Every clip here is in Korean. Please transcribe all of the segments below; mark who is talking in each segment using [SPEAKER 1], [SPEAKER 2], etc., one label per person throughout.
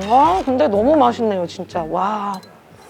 [SPEAKER 1] 와, 근데 너무 맛있네요, 진짜. 와.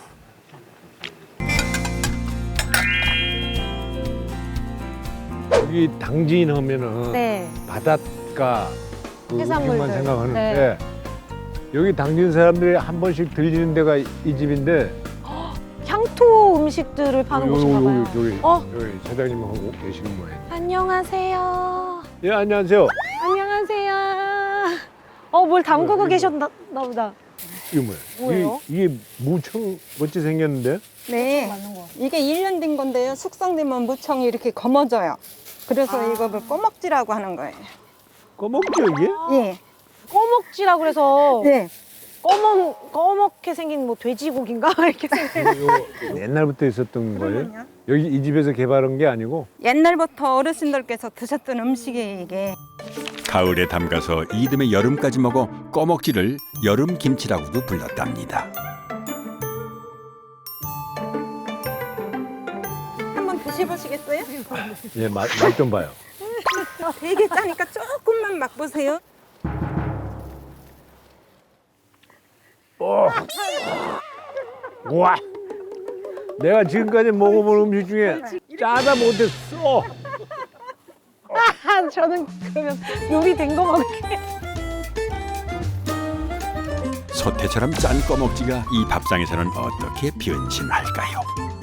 [SPEAKER 2] 여기 당진 하면은
[SPEAKER 1] 네.
[SPEAKER 2] 바닷가 그
[SPEAKER 1] 해산물들.
[SPEAKER 2] 음식만 생각하는데 여기 당진 사람들이 한 번씩 들리는 데가 이 집인데
[SPEAKER 1] 향토 음식들을 파는 곳인가 봐요.
[SPEAKER 2] 여기 사장님하고 계시는 모양.
[SPEAKER 1] 안녕하세요.
[SPEAKER 2] 예, 안녕하세요.
[SPEAKER 1] 안녕하세요. 뭘 담그고 계셨나 보다.
[SPEAKER 2] 이게 뭐예요?
[SPEAKER 1] 뭐예요?
[SPEAKER 2] 이게 무청 멋지 생겼는데?
[SPEAKER 3] 네,
[SPEAKER 1] 맞는 거.
[SPEAKER 3] 이게 1년 된 건데요. 숙성되면 무청이 이렇게 검어져요. 그래서 이거를 꼬먹지라고 하는 거예요.
[SPEAKER 2] 꺼먹죠 이게?
[SPEAKER 3] 예,
[SPEAKER 1] 꺼먹지라 그래서
[SPEAKER 3] 네.
[SPEAKER 1] 꺼먹게 생긴 뭐 돼지고기인가 이렇게 생긴.
[SPEAKER 2] 이거 옛날부터 있었던 거예요?
[SPEAKER 3] 그러면요?
[SPEAKER 2] 여기 이 집에서 개발한 게 아니고?
[SPEAKER 3] 옛날부터 어르신들께서 드셨던 음식이에요, 이게.
[SPEAKER 4] 가을에 담가서 이듬해 여름까지 먹어 꺼먹지를 여름 김치라고도 불렀답니다.
[SPEAKER 3] 한번 드셔보시겠어요?
[SPEAKER 2] 예, 맛 좀 봐요.
[SPEAKER 3] 되게 짜니까 조금만 맛보세요.
[SPEAKER 2] 와, 내가 지금까지 먹어본 음식 중에 짜다 못했어.
[SPEAKER 1] 저는 그러면 요리 된 거 먹을게요.
[SPEAKER 4] 소태처럼 짠 꺼먹지가 이 밥상에서는 어떻게 변신할까요?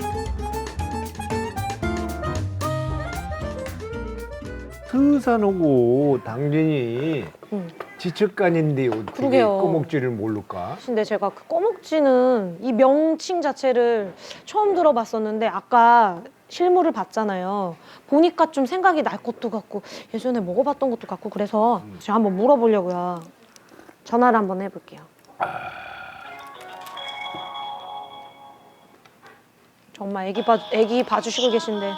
[SPEAKER 2] 서산하고 당진이 지척간인데 어떻게
[SPEAKER 1] 그러게요.
[SPEAKER 2] 꺼먹지를 모를까?
[SPEAKER 1] 근데 제가 그 꺼먹지는 이 명칭 자체를 처음 들어봤었는데 아까 실물을 봤잖아요. 보니까 좀 생각이 날 것도 같고 예전에 먹어봤던 것도 같고 그래서 제가 한번 물어보려고요. 전화를 한번 해볼게요. 정말 애기 봐주시고 계신데.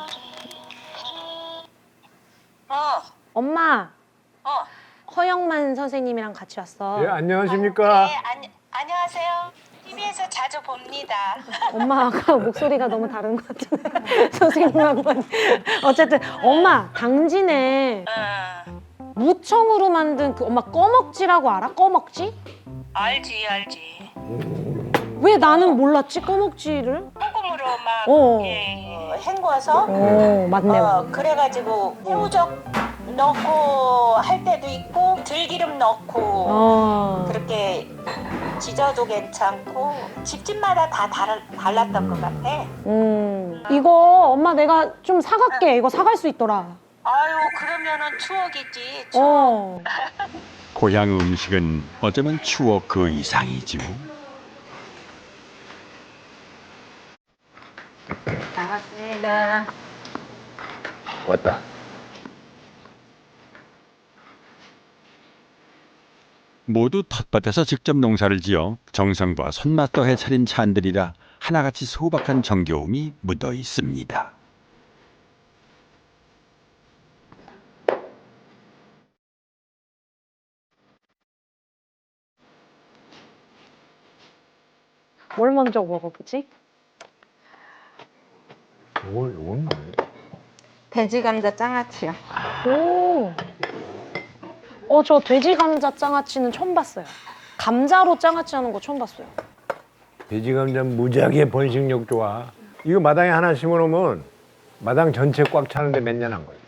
[SPEAKER 1] 엄마, 허영만 선생님이랑 같이 왔어.
[SPEAKER 2] 예, 안녕하십니까?
[SPEAKER 5] 네, 안녕하세요. TV에서 자주 봅니다.
[SPEAKER 1] 엄마 아까 목소리가 너무 다른 것 같은데 선생님하고는 어쨌든 엄마 당진에 무청으로 만든 그 엄마 꺼먹지라고 알아? 꺼먹지?
[SPEAKER 5] 알지.
[SPEAKER 1] 왜 나는 몰랐지 꺼먹지를?
[SPEAKER 5] 소금으로 막
[SPEAKER 1] 어.
[SPEAKER 5] 헹궈서
[SPEAKER 1] 맞네.
[SPEAKER 5] 그래가지고 새우젓 넣고 할 때도 있고 들기름 넣고 그렇게 지져도 괜찮고 집집마다 다 달랐던 것 같아.
[SPEAKER 1] 이거 엄마 내가 좀 사갈게. 이거 사갈 수 있더라.
[SPEAKER 5] 아유 그러면은 추억이지.
[SPEAKER 1] 어.
[SPEAKER 4] 고향 음식은 어쩌면 추억 그 이상이죠.
[SPEAKER 5] 나왔습니다.
[SPEAKER 2] 왔다.
[SPEAKER 4] 모두 텃밭에서 직접 농사를 지어 정성과 손맛 더해 차린 찬들이라 하나같이 소박한 정겨움이 묻어 있습니다.
[SPEAKER 1] 뭘 먼저 먹어보지?
[SPEAKER 2] 이건 뭐예요?
[SPEAKER 3] 돼지 감자 장아찌요.
[SPEAKER 1] 오. 저 돼지 감자 장아찌는 처음 봤어요. 감자로 장아찌 하는 거 처음 봤어요.
[SPEAKER 2] 돼지 감자 무지하게 번식력 좋아. 이거 마당에 하나 심어놓으면 마당 전체 꽉 차는데 몇 년 한 거예요.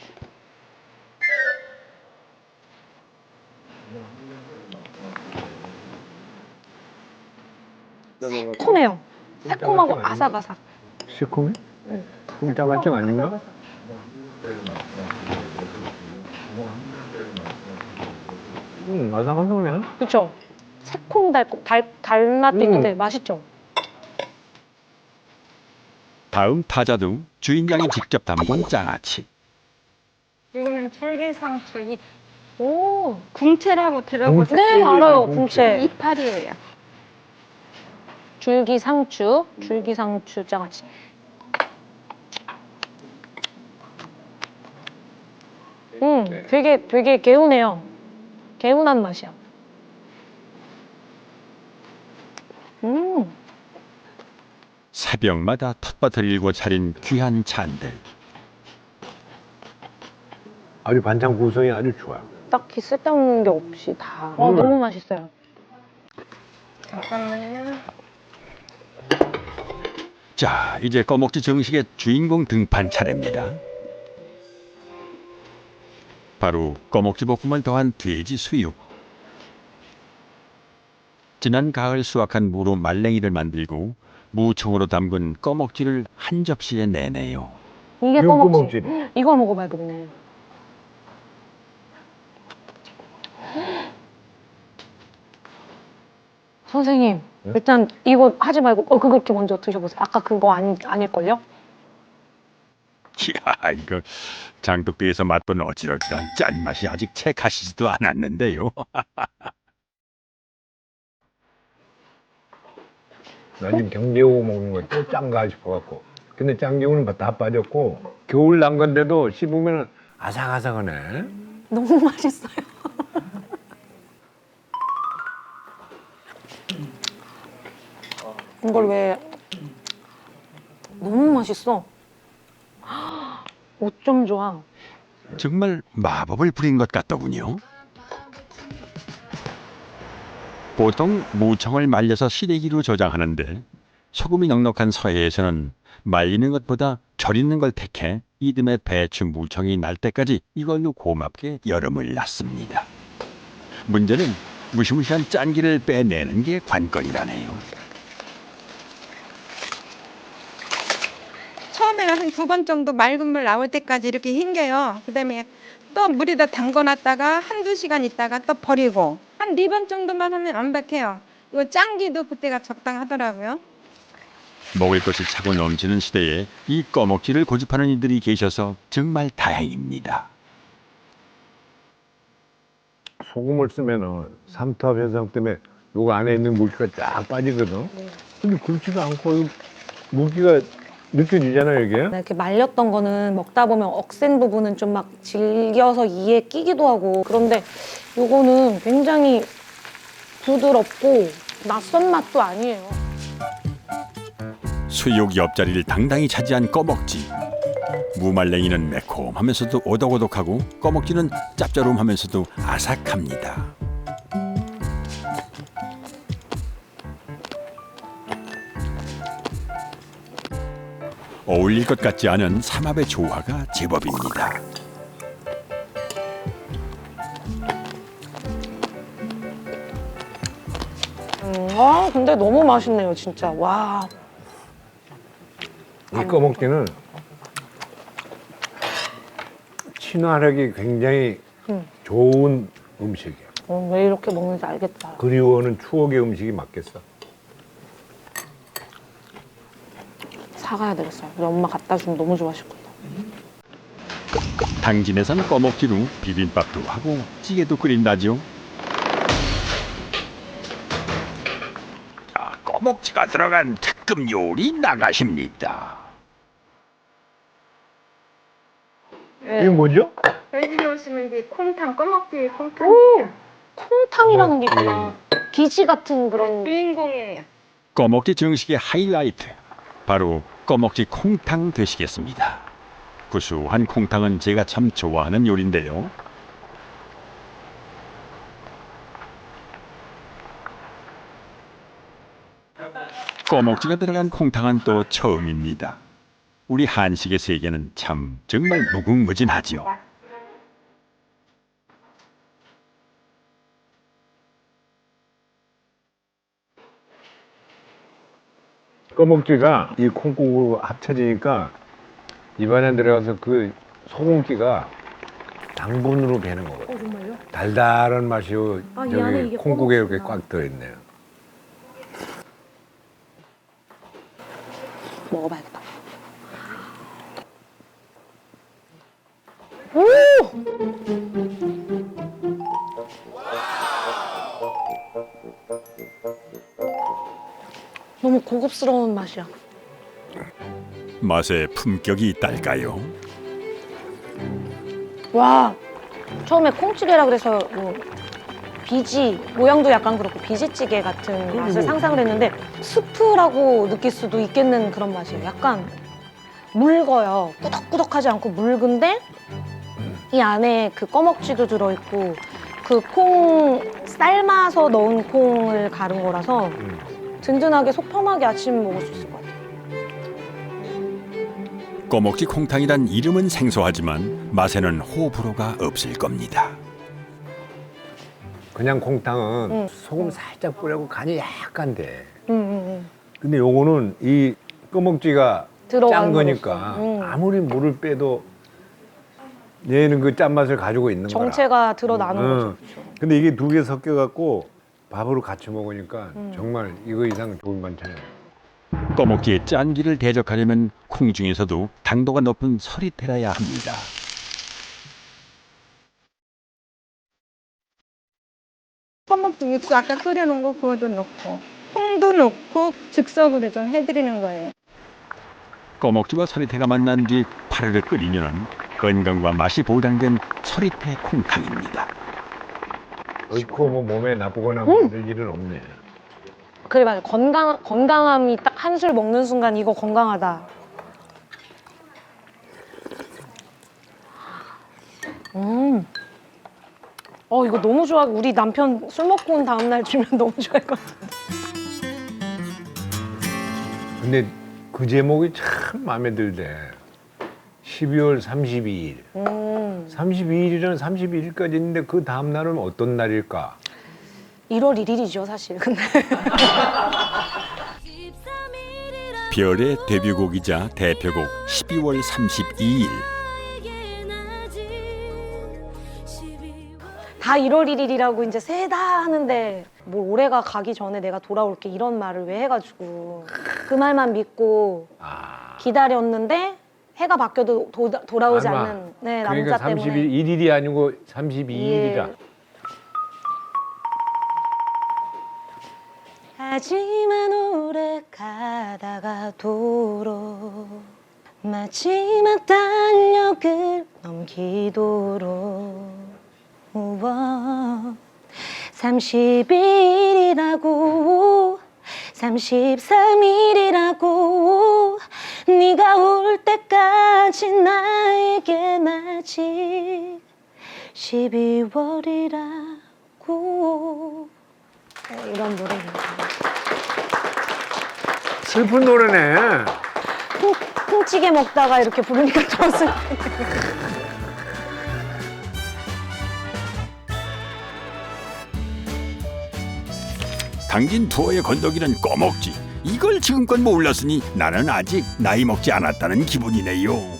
[SPEAKER 1] 새콤해요. 새콤하고 아삭아삭.
[SPEAKER 2] 시커매? 쿵짜발정 아닌가? 아삭아삭해.
[SPEAKER 1] 그렇죠? 새콤달콤 달맛도 있는데 맛있죠?
[SPEAKER 4] 다음 타자도 주인장이 직접 담근 장아찌.
[SPEAKER 3] 이거는 줄기상추
[SPEAKER 1] 오.
[SPEAKER 3] 궁채라고 들어보셨어요?
[SPEAKER 1] 네, 알아요. 궁채.
[SPEAKER 3] 이파리예요.
[SPEAKER 1] 줄기상추 장아찌. 되게 개운해요. 개운한 맛이야.
[SPEAKER 4] 새벽마다 텃밭을 일고 차린 귀한 찬들.
[SPEAKER 2] 아주 반찬 구성이 아주 좋아요.
[SPEAKER 1] 딱히 쓸데없는 게 없이 다. 너무 맛있어요.
[SPEAKER 3] 잠깐만요.
[SPEAKER 4] 자, 이제 꺼먹지 정식의 주인공 등판 차례입니다. 바로 꺼먹지 볶음을 더한 돼지 수육. 지난 가을 수확한 무로 말랭이를 만들고 무청으로 담근 꺼먹지를 한 접시에 내네요.
[SPEAKER 1] 이게
[SPEAKER 2] 이건
[SPEAKER 1] 꺼먹지.
[SPEAKER 2] 꺼먹지.
[SPEAKER 1] 이걸 먹어봐야겠네. 선생님,
[SPEAKER 2] 네?
[SPEAKER 1] 일단 이거 하지 말고 그렇게 먼저 드셔보세요. 아까 그거 아닐걸요?
[SPEAKER 4] 이야, 이거 장독대에서 맛본 어찌랄까 짠맛이 아직 채 가시지도 않았는데요.
[SPEAKER 2] 나 지금 경제고 먹는 거 또 짠가 싶어갖고. 근데 짠기운은 다 빠졌고 겨울 난 건데도 씹으면 아삭아삭하네.
[SPEAKER 1] 너무 맛있어요. 이걸 왜 너무 맛있어. 어쩜 좋아.
[SPEAKER 4] 정말 마법을 부린 것 같더군요. 보통 무청을 말려서 시래기로 저장하는데 소금이 넉넉한 서해에서는 말리는 것보다 절이는 걸 택해 이듬해 배추 무청이 날 때까지 이걸로 고맙게 여름을 났습니다. 문제는 무시무시한 짠기를 빼내는 게 관건이라네요.
[SPEAKER 3] 처음에는 한 2번 정도 맑은 물 나올 때까지 이렇게 헹겨요. 그다음에 또 물에다 담궈놨다가 한두 시간 있다가 또 버리고 한 4번 정도만 하면 완벽해요. 이거 짱기도 그때가 적당하더라고요.
[SPEAKER 4] 먹을 것이 차고 넘치는 시대에 이 꺼먹지를 고집하는 이들이 계셔서 정말 다행입니다.
[SPEAKER 2] 소금을 쓰면은 삼투압 현상 때문에 요거 안에 있는 물기가 쫙 빠지거든. 근데 그렇지도 않고 이 물기가 느껴지잖아요, 이게.
[SPEAKER 1] 이렇게 말렸던 거는 먹다 보면 억센 부분은 좀 막 질겨서 이에 끼기도 하고 그런데 요거는 굉장히 부드럽고 낯선 맛도 아니에요.
[SPEAKER 4] 수육 옆자리를 당당히 차지한 꺼먹지. 무말랭이는 매콤하면서도 오독오독하고 꺼먹지는 짭조름하면서도 아삭합니다. 어울릴 것 같지 않은 삼합의 조화가 제법입니다.
[SPEAKER 1] 근데 너무 맛있네요, 진짜. 와.
[SPEAKER 2] 이 꺼먹기는 친화력이 굉장히 좋은 음식이야.
[SPEAKER 1] 왜 이렇게 먹는지 알겠다.
[SPEAKER 2] 그리워하는 추억의 음식이 맞겠어.
[SPEAKER 1] 사가야 되겠어요. 우리 엄마 갖다 주면 너무 좋아하실 거예요.
[SPEAKER 4] 당진에선 꺼먹지로 비빔밥도 하고 찌개도 끓인다죠. 자, 꺼먹지가 들어간 특급 요리 나가십니다.
[SPEAKER 2] 이게 뭐죠?
[SPEAKER 3] 저희 집에 오시면 이게 콩탕, 꺼먹기 콩탕.
[SPEAKER 1] 오! 콩탕이라는 게 있구나. 기지 같은 그런.
[SPEAKER 3] 주인공이에요.
[SPEAKER 4] 꺼먹지 정식의 하이라이트, 바로 꺼먹지 콩탕 되시겠습니다. 구수한 콩탕은 제가 참 좋아하는 요리인데요. 꺼먹지가 들어간 콩탕은 또 처음입니다. 우리 한식의 세계는 참 정말 무궁무진하지요.
[SPEAKER 2] 꺼먹지가 이 콩국으로 합쳐지니까 입안에 들어가서 그 소금기가 당분으로 배는 거거든.
[SPEAKER 1] 정말요?
[SPEAKER 2] 달달한 맛이
[SPEAKER 1] 아, 이 안에
[SPEAKER 2] 저기
[SPEAKER 1] 이게
[SPEAKER 2] 콩국에 이렇게
[SPEAKER 1] 꺼먹지구나.
[SPEAKER 2] 꽉 들어있네요.
[SPEAKER 1] 먹어봐야겠다. 오! 너무 고급스러운 맛이야.
[SPEAKER 4] 맛에 품격이 있달까요?
[SPEAKER 1] 와, 처음에 콩찌개라 그래서 뭐 비지 모양도 약간 그렇고 비지찌개 같은 맛을 상상을 했는데 스프라고 느낄 수도 있겠는 그런 맛이에요. 약간 묽어요. 꾸덕꾸덕하지 않고 묽은데 이 안에 그 꺼먹지도 들어있고 그 콩 삶아서 넣은 콩을 갈은 거라서 든든하게 속 편하게 아침 먹을 수 있을 것 같아요.
[SPEAKER 4] 꺼먹지 콩탕이란 이름은 생소하지만 맛에는 호불호가 없을 겁니다.
[SPEAKER 2] 그냥 콩탕은
[SPEAKER 1] 응.
[SPEAKER 2] 소금 살짝 뿌리고 간이 약간 돼.
[SPEAKER 1] 응.
[SPEAKER 2] 근데 요거는 이 꺼먹지가
[SPEAKER 1] 들어간
[SPEAKER 2] 짠 거니까
[SPEAKER 1] 거로서.
[SPEAKER 2] 아무리 물을 빼도 얘는 그 짠맛을 가지고 있는 거라.
[SPEAKER 1] 정체가 드러나는 거죠. 그렇죠.
[SPEAKER 2] 근데 이게 두 개 섞여 갖고 밥으로 같이 먹으니까 정말 이거 이상 좋은 반찬이에요.
[SPEAKER 4] 꺼먹지의 짠기를 대적하려면 콩 중에서도 당도가 높은 서리태라야 합니다.
[SPEAKER 3] 꺼먹기 육수 아까 끓여놓은 거 그것도 넣고 콩도 넣고 즉석으로 좀 해드리는 거예요.
[SPEAKER 4] 꺼먹지와 서리태가 만난 뒤 파르르 끓이면 건강과 맛이 보장된 서리태 콩탕입니다.
[SPEAKER 2] 넣고 뭐 몸에 나쁘거나 만들 일은 없네.
[SPEAKER 1] 그래 맞아. 건강함이 딱 한 술 먹는 순간 이거 건강하다. 이거 너무 좋아. 우리 남편 술 먹고 온 다음 날 주면 너무 좋아할 것 같아.
[SPEAKER 2] 근데 그 제목이 참 마음에 들대. 12월 32일. 32일이라는 31일까지 있는데 그 다음 날은 어떤 날일까?
[SPEAKER 1] 1월 1일이죠, 사실. 근데
[SPEAKER 4] 별의 데뷔곡이자 대표곡 12월 32일.
[SPEAKER 1] 다 1월 1일이라고 이제 세다 하는데 뭘 올해가 가기 전에 내가 돌아올게 이런 말을 왜 해가지고 그 말만 믿고 기다렸는데 해가 바뀌어도 돌아오지
[SPEAKER 2] 아마.
[SPEAKER 1] 않는 네,
[SPEAKER 2] 그러니까
[SPEAKER 1] 남자 때문에
[SPEAKER 2] 31일이 아니고 32일이라.
[SPEAKER 1] 예. 하지만 오래 가다가 도로 마지막 달력을 넘기도록 30일이라고 33일이라고 네가 올 때까지 나에겐 아직 12월이라고 이런 노래입니다.
[SPEAKER 2] 슬픈 노래네.
[SPEAKER 1] 콩찌개 먹다가 이렇게 부르니까 더 슬.
[SPEAKER 4] 당진 투어의 건더기는 꺼먹지. 이걸 지금껏 몰랐으니 나는 아직 나이 먹지 않았다는 기분이네요.